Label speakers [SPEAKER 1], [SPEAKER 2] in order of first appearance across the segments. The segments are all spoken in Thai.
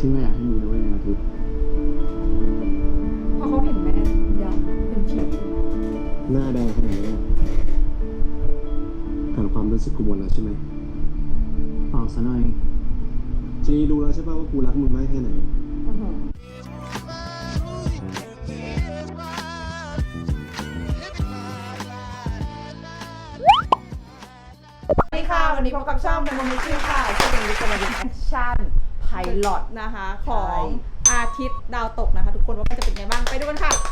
[SPEAKER 1] ที่ไม่อยากให้มึงรู้เลยนะคือ
[SPEAKER 2] พอเขาเห็นแม่ยักษ์เป็นผี
[SPEAKER 1] หน้าแดงขนาดนี้อ่านความรู้สึกกูหมดแล้วใช่ไหมเปล่าซะหน่อยจีรู้แล้วใช่ป่ะว่ากูรักมึงมากแค่ไหน
[SPEAKER 2] สวัสดีค่ะวันนี้พบกับช่องเป็นโมเมนต์ค่ะซึ่งเป็นวิดีโอแอคชั่นไพลอตนะคะของอาทิตย์ดาวตกนะคะทุกคนว่าจะเป็นไงบ้างไปดูกันค่ะ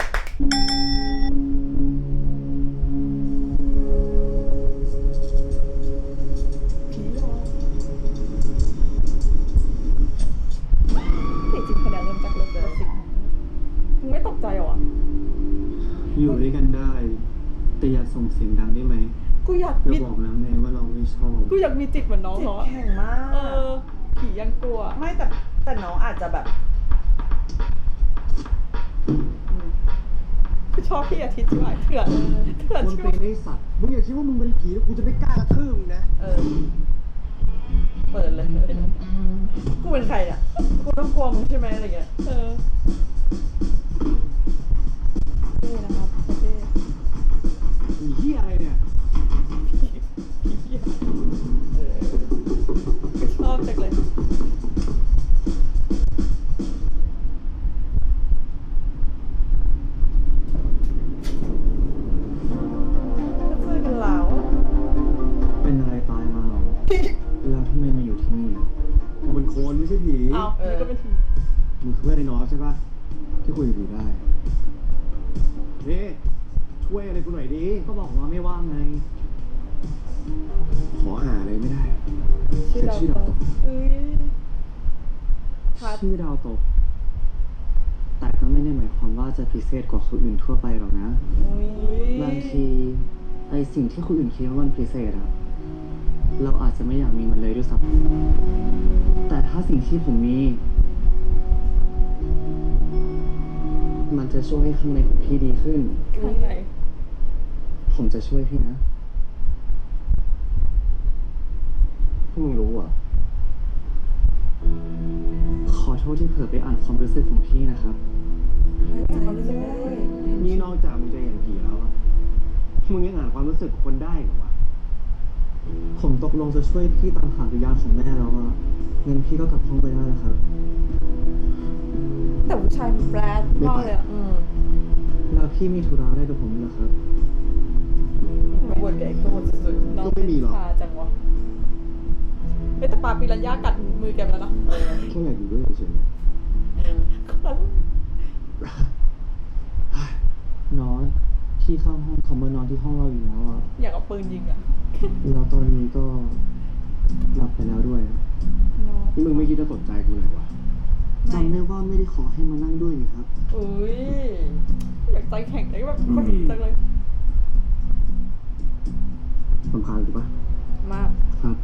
[SPEAKER 2] จริงๆคะแนนเริ่มจากเริ่มเลยสิมึงไม่ตกใจหรอ
[SPEAKER 1] อยู่ด้วยกันได้แต่อย่าส่งเสียงดังได้ไหม
[SPEAKER 2] กูอยาก
[SPEAKER 1] เราบอกแล้วไงว่าเราไม่ชอบ
[SPEAKER 2] กูอยากมีจิตเหมือนน้องเขา
[SPEAKER 3] แข็งมาก
[SPEAKER 2] ผียังกลัว
[SPEAKER 3] ไม่แต่น้องอาจจะแบบ
[SPEAKER 2] ชอบพี่อาทิตย์ใช่ไหมเถื่อน
[SPEAKER 1] คน
[SPEAKER 2] ชิ
[SPEAKER 1] เป็นไอ้สัตว์มึงอย่าคิดว่ามึงเป็นผีแล้วกูจะไม่กล้ากระทืบมึงนะ
[SPEAKER 3] เปิดเลยกูเป็นใครอ่ะกูต้องกลัวมึงใช่ไหมอะไรเงี้ย
[SPEAKER 2] นี่นะครับโอเค
[SPEAKER 1] ผีเหี้ยอะไรเนี่ย
[SPEAKER 2] ชอบจังเลย
[SPEAKER 1] เป็นอะไรตายมาหรอแล้วทำไมมาอยู่ที่นี่กูเป็นคนไม่ใช่ผี
[SPEAKER 2] อ้าวนี่ก็เป็นผี
[SPEAKER 1] มึงคือเพื่อนไอ้น้องใช่ปะที่คุยกับผีได้นี่ช่วยอะไรกูหน่อยดิก็บอกว่าไม่ว่างไงขอหาอะไรไม่ได้ชื่อดาวตกชื่อดาวตกแต่ก็ไม่ได้หมายความว่าจะพิเศษกว่าคนอื่นทั่วไปหรอกนะบางทีไอสิ่งที่คนอื่นคิดว่ามันพิเศษอะเราอาจจะไม่อยากมีมันเลยด้วยซ้ำแต่ถ้าสิ่งที่ผมมีมันจะช่วยให้ข้างในของพี่ดีขึ้น
[SPEAKER 2] ข้างใน
[SPEAKER 1] ผมจะช่วยพี่นะพวกมึงรู้อ่ะขอโทษที่เผลอไปอ่านความรู้สึกของพี่นะครับนี่นอกจากมึงจะเห็นผีแล้วอะมึงยังอ่านความรู้สึกคนได้เหรอวะผมตกลงจะช่วยพี่ตามหาวิญญาณของแม่แล้วอะงั้นพี่ก็กลับห้องไปได้แล้วครับ
[SPEAKER 2] แต่ผู้ชายมันแปลกมากเลยอ่ะ
[SPEAKER 1] แล้วพี่มีธุระอะไรกับผมเหรอครับ
[SPEAKER 3] วนกับไอ้โคตรสุด
[SPEAKER 1] ก็ไม่มีหรอก
[SPEAKER 2] จังวะแต่ปลาปิรันย่ากัดมือแกแล้วนะ
[SPEAKER 1] แค่อยากอยู่ด้วยเฉยน้อยพี่เข้าห้องเขามานอนที่ห้องเราอยู่แล้วอ่ะ
[SPEAKER 2] อยากเอาปืนยิงอ่ะ
[SPEAKER 1] แล้วตอนนี้ก็หลับไปแล้วด้วยนี่มึงไม่คิดจะสนใจกูเลยวะจำได้ว่าไม่ได้ขอให้มานั่งด้วยนี่ครับ
[SPEAKER 2] อยากใจแข็งเลยแบบคนจังเลย
[SPEAKER 1] สำคัญถูกปะ
[SPEAKER 2] มาก
[SPEAKER 1] ครับ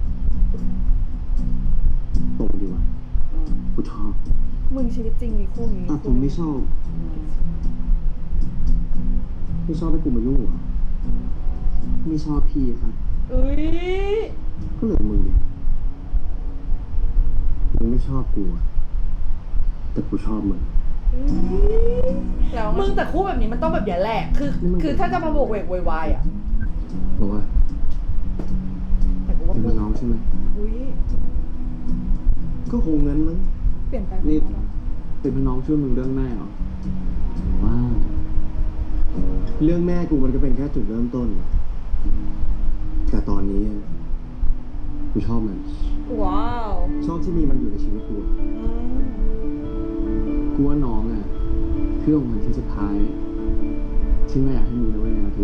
[SPEAKER 1] ตรงดีวะกูชอบ
[SPEAKER 2] มึงชีวิตจริงมีคู่นี้
[SPEAKER 1] แต่ผมไม่ชอบให้กูมายุ่งเหรอไม่ชอบพี่ครับก็เหลือมึงดิมึงไม่ชอบกูแต่กูชอบมึง
[SPEAKER 3] มึงแต่คู่แบบนี้มันต้องแบบอย่างแหละคือถ้าจะมาโบกเวกโวยวายอ่ะ
[SPEAKER 1] บอกว่า
[SPEAKER 3] แต่กูว่า
[SPEAKER 1] เป็นน้องใช่ไหมก็คงงั้นมั้ง
[SPEAKER 2] เปลี่ยนไป
[SPEAKER 1] นี่เป็นพี่น้องช่วยมึงเรื่องแม่เหรอว้าวเรื่องแม่กูมันก็เป็นแค่จุดเริ่มต้นแต่ตอนนี้กูชอบมัน
[SPEAKER 2] ว้าว
[SPEAKER 1] ชอบที่มีมันอยู่ในชีวิตกูกูว่าน้องอ่ะคือของมันที่สุดท้ายที่ไม่อยากให้มึงรู้เลยนะคือ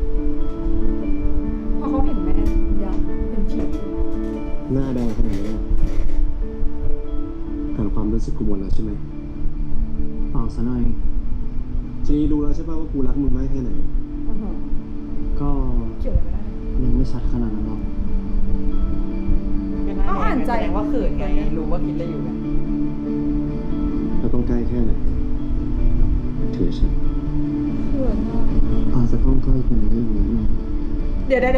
[SPEAKER 2] พอเขาเห็นแม่ยักษ์เป็นผี
[SPEAKER 1] หน้าแดงขนาดนี้อ่านความรู้สึกกูหมดแล้วใช่ไหมเปล่าซะหน่อยจีรู้แล้วใช่ป่ะว่ากูรักมึงมากแค่ไหนก็
[SPEAKER 2] เกี่ยวอะไรไม่ได้
[SPEAKER 1] ยังไม่ชัดขนาดนั้นหรอก
[SPEAKER 3] ก็อ่านใจแสดงว่าเขินไงรู้ว่าคิดอะไรอยู่ไง
[SPEAKER 1] เราต้องใกล้แค่ไหนถือฉัน
[SPEAKER 2] เขินมาก
[SPEAKER 1] อาจจะต้องใกล้กันนิดนึง
[SPEAKER 2] เดี๋ยว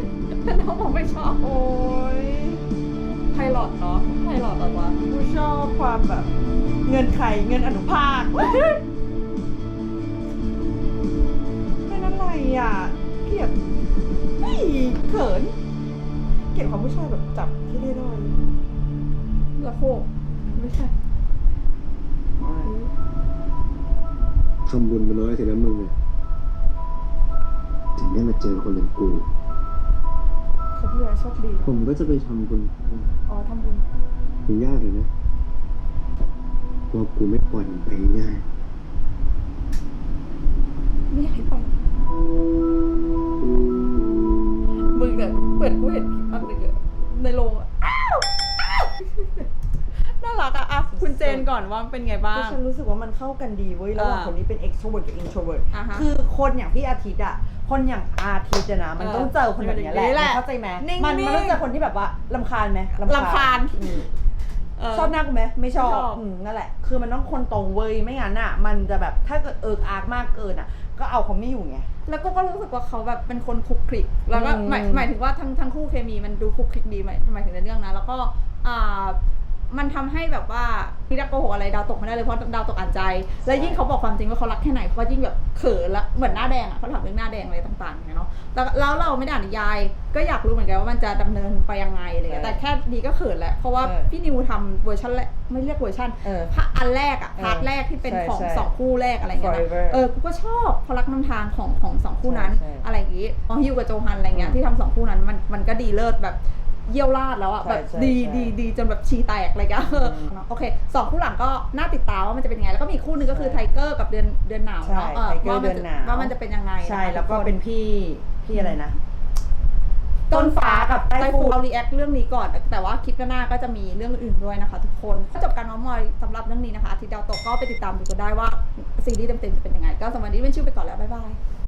[SPEAKER 2] น้องบอกไม่ชอบโอ้ยไพลอตเนาะไพลอตอะไรวะ
[SPEAKER 3] กูชอบความแบบเงินไข่เงินอนุภาคเป็นอะไรอ่ะเกลียดไม่เขินเกลียดความผู้ชายแบบจับที่ได้ด้อย
[SPEAKER 2] ละโคกไม่ใช่
[SPEAKER 1] ทำบุญมาน้อยสินะมึงเนี่ยถึงได้มาเจอคนอย่างกู
[SPEAKER 2] เขาพูดอะไรโชคดี
[SPEAKER 1] ผมก็จะไปทำบุญ
[SPEAKER 2] อ๋อทำบุญ
[SPEAKER 1] มันยากเลยนะว่ากูไม่ปล่อยมันไปง่าย
[SPEAKER 2] ไม่อยากให้ไปมึงเนี่ยเปิดกูเห็นอันหนึ่งอะในโรงอะอ้าวน่ารักอะคุณเจนก่อนว่าเป็นไงบ้า
[SPEAKER 3] คือง ฉันรู้สึกว่ามันเข้ากันดีเว้ยระหว่างคนนี้เป็น extrovert กับ introvert
[SPEAKER 2] อ่าฮะ
[SPEAKER 3] คือคนอย่างพี่อาทิตย์อะคนอย่างอาทิตย์อะนะมันต้องเจอคนแบบเนี้ยแหละ
[SPEAKER 2] นี่แหละ
[SPEAKER 3] เข้าใจไหม
[SPEAKER 2] นิ่งๆ
[SPEAKER 3] มันต้องเจอคนที่แบบว่ารำคาญไหม
[SPEAKER 2] รำคาญ
[SPEAKER 3] อืม
[SPEAKER 2] เ
[SPEAKER 3] ชอบหน้ากูไหมไม่ชอบ
[SPEAKER 2] ไม่ชอบ
[SPEAKER 3] นั่นแหละคือมันต้องคนตรงเว้ยไม่งั้นอะมันจะแบบถ้าเกิดอาร์กมากเกินอะก็เอาเขาไม่อยู่ไง
[SPEAKER 2] แล้วก็รู้สึกว่าเขาแบบเป็นคนคลุกคลิกแล้วก็
[SPEAKER 3] อืม
[SPEAKER 2] หมายถึงว่าทั้งคู่เคมีมันดูคลุกคลิกดีหมายถึงในเรื่องนะแล้วก็มันทำให้แบบว่าพี่ดักโกหกอะไรดาวตกไม่ได้เลยเพราะดาวตกอ่านใจ แล้วยิ่งเขาบอกความจริงว่าเขารักแค่ไหนเขาก็ยิ่งแบบเขินละเหมือนหน้าแดงอ่ะเขาถามเรื่องหน้าแดงอะไรต่างๆเนี่ยเนาะแล้วเราไม่ได้อ่านนิยายก็อยากรู้เหมือนกันว่ามันจะดำเนินไปยังไงอะไรเงี้ยแต่แค่นี้ก็เขินแหละเพราะว่าพี่นิวทำเวอร์ชันแรกไม่เรียกเวอร์ชันอันแรกอะพาร์ทแรกที่เป็นของสองคู่แรกอะไรเงี้ยนะกูก็ชอบเพราะรักนำทางของสองคู่นั้นอะไรอย่างงี้ของฮิวกับโจฮันอะไรเงี้ยที่ทำสองคู่นั้นมันก็ดีเลิศแบบเยี่ยวราดแล้วอะแบบดีจนแบบชีแตกเลยก็โอเคสองคู่หลังก็น่าติดตามว่ามันจะเป็นยังไงแล้วก็มีคู่หนึงก็คือไทเกอร์กับเดือนหนาว
[SPEAKER 3] ใช่
[SPEAKER 2] เนาะ
[SPEAKER 3] ไทเกอร์เดือนหนาว
[SPEAKER 2] ว่ามันจะเป็นยังไง
[SPEAKER 3] ใช่แล้วก็เป็นพี่อะไรนะ
[SPEAKER 2] ต้นฟ้ากับไต้
[SPEAKER 3] ไต้ฝุ่
[SPEAKER 2] ฝุ่น
[SPEAKER 3] น
[SPEAKER 2] เรารีแอคเรื่องนี้ก่อนแต่ว่าคลิปหน้าก็จะมีเรื่องอื่นด้วยนะคะทุกคนจบการน้องมอยสำหรับเรื่องนี้นะคะอาทิตย์ดาวตกก็ไปติดตามดูกันได้ว่าซีรีส์เต็มๆจะเป็นยังไงก็สำหรับวันนี้เป็นชื่อไปก่อนแล้วบ๊ายบาย